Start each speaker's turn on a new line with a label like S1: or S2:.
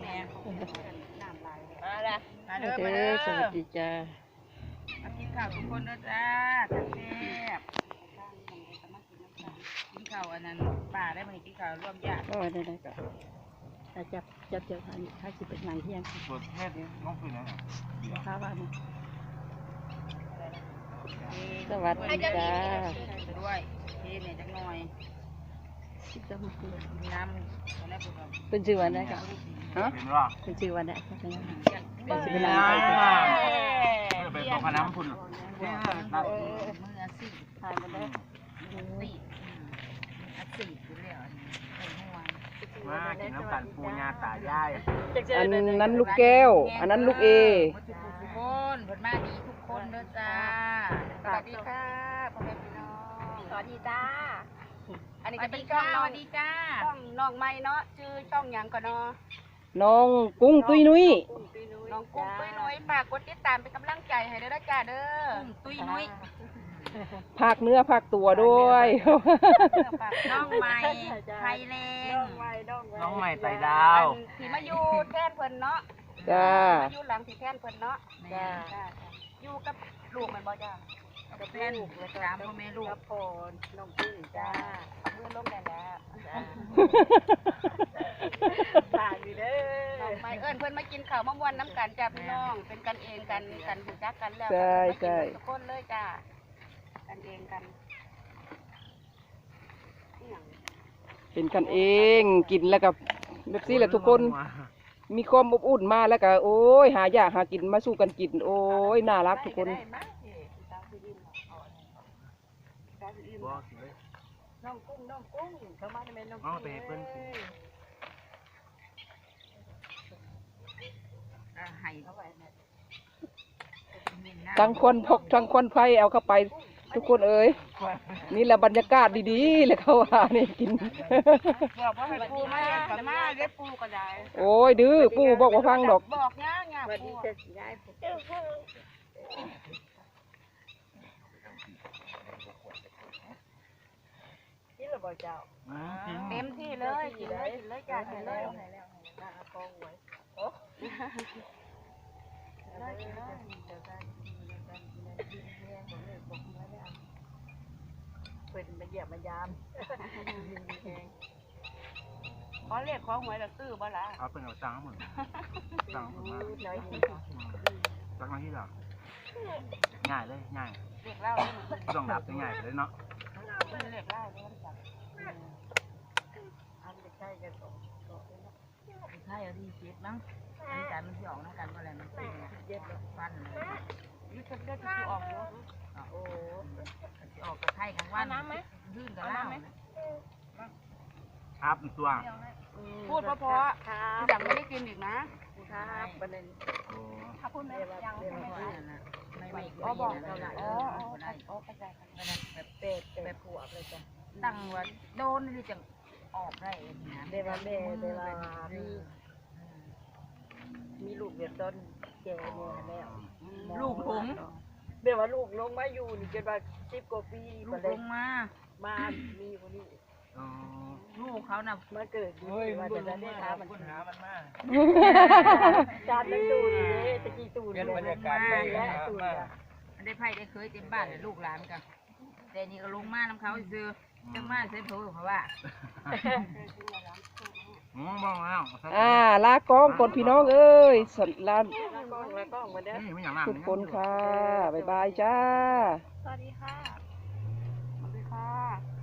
S1: แม่น้ำลายมาละมาเด้อ
S2: เด้
S1: มาเด้
S2: อ
S1: อ
S2: สวัสดีจ้า
S1: มากินข้าวทุกคนเด้อจ้าแซ่บกินข้าวอันนั้นป่าได้มากินข้าวร่วมญาติ
S2: ก็ได้ก็จับทานถ้าสิเป็นหนังเที่ยง
S3: เปิดเทศน้องปืนนะ
S2: ข้าวบ้านสวัสดีจ้า
S1: ด้วยเทเนี่ยจังหน่อยน้ำตอนแรกผม
S2: เป็นชื่อวันได้ก็ฮะ
S3: เห็นว่า
S2: เป็นชื่อวันได้ใช่ไหม
S1: เป็น
S2: สิ
S1: สิ
S2: เป็
S1: เป็น น
S2: หนั
S1: นาง ง
S2: ไท
S1: ไท
S2: ย
S1: ย
S3: ไปตกน้ำพุ่นเนี่ยนัด
S1: มือสิ
S2: ทานมันได้
S1: สิอัดสิอยู่แล้วเป็นห่วง
S3: มากินน้ำกันปูญาตายาย
S2: อันนั้นลูกแก้ว อันนั้นลูกเอ
S1: ทุกคนผลมาดีทุกคนเด้อจ้าสวัสดีค่ะพ่อแม่พี่น้องสวัสดีจ้าอันนี้จะเป็นช่องสวัสดีจ้าช่องน้องใหม่เนาะชื่อช่องหยังก่อนเนาะ
S2: น้องกุ้งตุ้ยนุ้ย
S1: น้องกุ้งตุ้ยนุ้ยฝากกดติดตามเป็นกำลังใจให้เด้อจ้าเด้อกุ้งตุ้ยนุ้ย
S2: ภาคเนื้อภาคตัวด้วย
S1: น้องใหม่ไทยแลนด์
S3: น้องใหม่ไต่ดาว
S1: ที่มาอยู่แทนเพิ่นเนาะ
S2: จ้า
S1: มาอยู่หลังที่แทนเพิ่นเนาะจ้าอยู่กับลูกมันบ่จ้ากับแฟนสามพ่อแม่ลูกกับพ่อน้องกุ้งจ้าเพื่อนร่วมกันแล้วฝากอยู่เด้อน้องใหม่เอิ้นเพิ่นมากินข้าวมะม่วนน้ำกันจ้าพี่น้องเป็นกันเองกันรู้จักกันแล้วทุกคนเลยจ้ากันเองกัน
S2: เป็นกันเองกินแล้วกับแบบนี้แหละทุกคนมีความอบอุ่นมาแล้วก็โอ้ยหายากหากินมาสู้กันกินโอ้ยน่ารักทุกคน
S1: น้องกุ้งเข้ามาได้ไหมน้อง
S3: น้องไปเปิ้ล
S1: ไห้เข้าไป
S2: ทั้งคนพกทั้งคนไฟเอาเข้าไปทุกคนเอ้ยนี่แหละบรรยากาศดีๆเลยเขาว่านี่กิน
S1: บอกว่าให้ปูมาเรียกกันมาเรียกปูก็ได้
S2: โอ้ยดื้อปู่บอกว่าฟังดอก
S1: บอกง่ายง่ายปูกินหรือเปล่าเจ้าเต็มที่เลยกินเลยจ้ากินเลยกองไว้โอ้เป็นมาเหยียบมายามขอเรียกของหวยละตื้อบ่ล่ะ
S3: เอาเป็นเอาตังค์หมดตังค์มาตังค์มาที่หรอง่ายเลยง่าย
S1: เรียกเล่าเลยมัน
S3: ต้องดับง่ายไปเลยเนาะ
S1: เรียกเล่าเลยมันจับอันเด็กใช่กันใช่เอาที่เจ็บมั้งอันนี้การมันที่ออกนะกันอะไรมันเจ็บฟันเลยยึดเลือดที่ออกเยอะโอ้ออกกระไทยกันว่าน้ำไหมยื่นกับเล่า
S3: ครับตัว
S1: พูดเพราะๆอย่างไม่ได้กินอีกนะครับประเด็น
S3: โอ้
S1: ถ้าพูดไม่ยังไม่อ๋อบอกเราละอ๋อเข้าใจแบบเป็ดแบบผัวเลยจ้ะตั้งว่าโดนนี่จะออกได้นะเวลามีลูกเดือดต้นแก่เนี่ยแล้วลูกหลงเดี๋ยวว่าลูกลงมาอยู่นี่จนว่า10 กว่าปีลูกลงมามีคนนี้ลูกเขาน่ะมาเกิดว่าจะได้ท้ามันหามันมาจานมันตูนเลยตะกี้ตูนเป็นบรรยากาศไปแล้วตูนได้ไผ่ได้เคยเต็มบ้านเลยลูกหลานกันแต่นี่ก็ลงมาน้ำเขาซื้อจังมาใส่เผือกเขาว่า
S3: บ้องแล้ว
S2: ลากล้องก่อนพี่น้องเอ้ยสันลา
S1: แล้วก็มาเด้อ
S3: นี่ไม่อย่างนั้น
S2: ทุกคนค่ะบ๊ายบายจ้า
S1: สวัสดีค่ะสวัสดีค่ะ